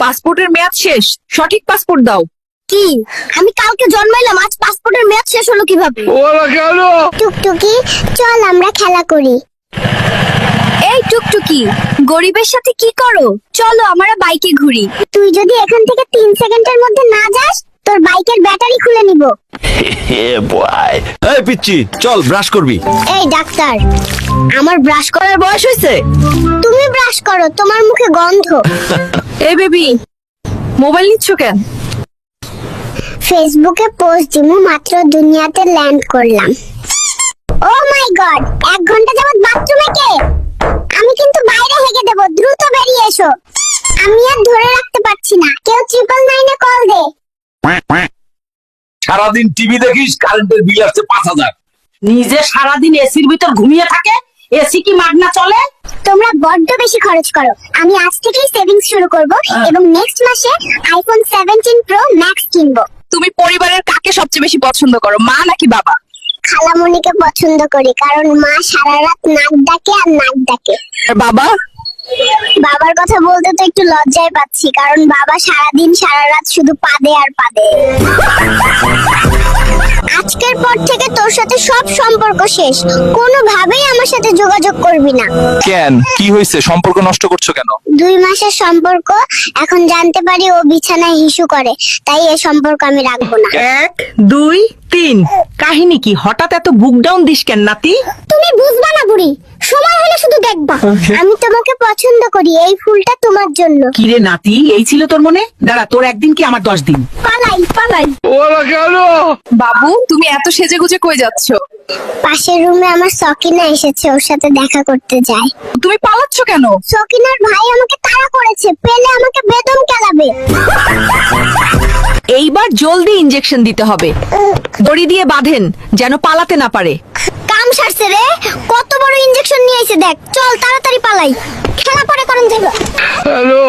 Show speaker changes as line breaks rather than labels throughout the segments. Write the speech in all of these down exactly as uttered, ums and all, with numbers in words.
পাসপোর্টের মেয়াদ শেষ, সঠিক পাসপোর্ট দাও।
কি আমি কালকে জন্মাইলাম, আজ পাসপোর্টের মেয়াদ শেষ হলো কিভাবে? টুকটুকি চল আমরা খেলা করি। এই টুকটুকি, গরিবের সাথে কি করো? চলো আমরা বাইকে ঘুরি। তুই যদি এখান থেকে তিন সেকেন্ডের মধ্যে না যাস, তোর বাইকের ব্যাটারি খুলে নিব।
এই পিচ্চি চল ব্রাশ করবি।
এই ডাক্তার, আমার ব্রাশ
করার বয়স হয়েছে?
তুমি ব্রাশ করো, তোমার মুখে গন্ধ।
এই বেবি, মোবাইল নিচ্ছ কেন?
ফেসবুকে পোস্ট দিমু, মাত্র দুনিয়াতে ল্যান্ড করলাম। ও মাই গড, এক ঘন্টা যাবত বাথরুমে কে? আমি কিন্তু বাইরে হেগে দেব, দ্রুত বেরিয়ে এসো। আমি আর ধরে রাখতে পারছি না, কেউ ট্রিপল নাইনে কল দে।
সারাদিন টিভি দেখিস, কারেন্টের বিল আসছে পাঁচ হাজার।
নিজে সারাদিন এসির ভিতর ঘুমিয়ে থাকে, এসি কি মাগনা চলে?
তোমরা বড্ড বেশি খরচ করো। আমি আজ থেকেই সেভিংস শুরু করব এবং নেক্সট মাসে আইফোন সেভেন্টিন প্রো ম্যাক্স কিনবো।
তুমি পরিবারের কাকে সবচেয়ে বেশি পছন্দ করো, মা নাকি বাবা?
খালামণিকে পছন্দ করি, কারণ মা সারা রাত নাক ডাকে আর নাক ডাকে।
আর বাবা?
বাবার কথা বলতে তো একটু লজ্জায় পাচ্ছি, কারণ বাবা সারাদিন সারা রাত শুধু পাদে আর পাদে। আজকের পর থেকে তোর সাথে সব সম্পর্ক শেষ, কোনোভাবেই আমার সাথে যোগাযোগ করবি না।
কেন, কি হয়েছে? সম্পর্ক নষ্ট করছো কেন?
দুই মাসের সম্পর্ক, এখন জানতে পারি ও বিছানায় হিসু করে, তাই এই সম্পর্ক আমি রাখবো না।
এক দুই তিন। কাহিনী কি? হঠাৎ এত বুক ডাউন দিস কেন নাতি?
তুমি বুঝবা না বুড়ি, সময় হলে শুধু দেখবা। আমি তোমাকে পছন্দ করি, এই ফুলটা তোমার জন্য।
কিরে নাতি, এই ছিল তোর মনে? দাঁড়া, তোর একদিন কি আমার দশ দিন?
পালাই পালাই।
বাবু, তুমি এত সেজে গুজে কই যাচ্ছ?
পাশের রুমে আমার সকিনা এসেছে, ওর সাথে দেখা করতে যাই।
তুমি পালাচ্ছ কেন?
সকিনার ভাই আমাকে তাড়া করেছে, পেলে আমাকে বেদম কেলাবে।
এইবার জলদি ইনজেকশন দিতে হবে, দড়ি দিয়ে বাঁধেন যেন পালাতে না পারে।
কাম সারছে রে, কত বড় ইনজেকশন নিয়ে এসে দেখ। চল তাড়াতাড়ি পালাই, খেলা পরে করুন যাবে। হ্যালো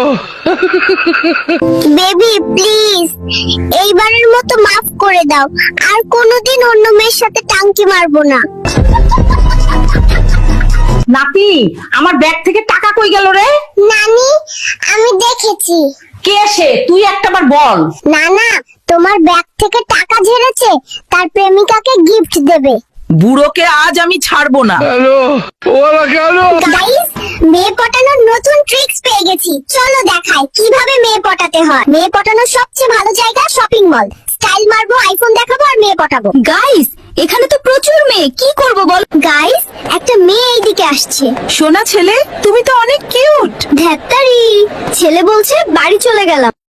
বেবি, প্লিজ এইবারের মতো মাফ করে দাও, আর কোনোদিন অন্য মেয়ের সাথে টাঙ্কি মারবো না।
নাতি, আমার ব্যাগ থেকে টাকা কই গেল রে?
নানি, আমি দেখেছি।
কে সে? তুই একটাবার বল।
না না, তোমার ব্যাগ থেকে টাকা ঝেড়েছে, তার প্রেমিকাকে গিফট দেবে।
বুড়োকে আজ আমি ছাড়বো না।
গাইস, মেয়ে পটানোর নতুন ট্রিক্স পেয়ে গেছি, চলো দেখাই কিভাবে মেয়ে পটাতে হয়। মেয়ে পটানোর সবচেয়ে ভালো জায়গা শপিং মল। স্টাইল মারবো, আইফোন দেখাবো আর মেয়ে পটাবো। গাইস, এখানে তো প্রচুর মেয়ে, কি করব বল? গাইস, একটা মেয়ে এইদিকে আসছে।
সোনা ছেলে, তুমি তো অনেক কিউট।
ধ্যাত্তারি, ছেলে বলছে বাড়ি চলে গেলাম।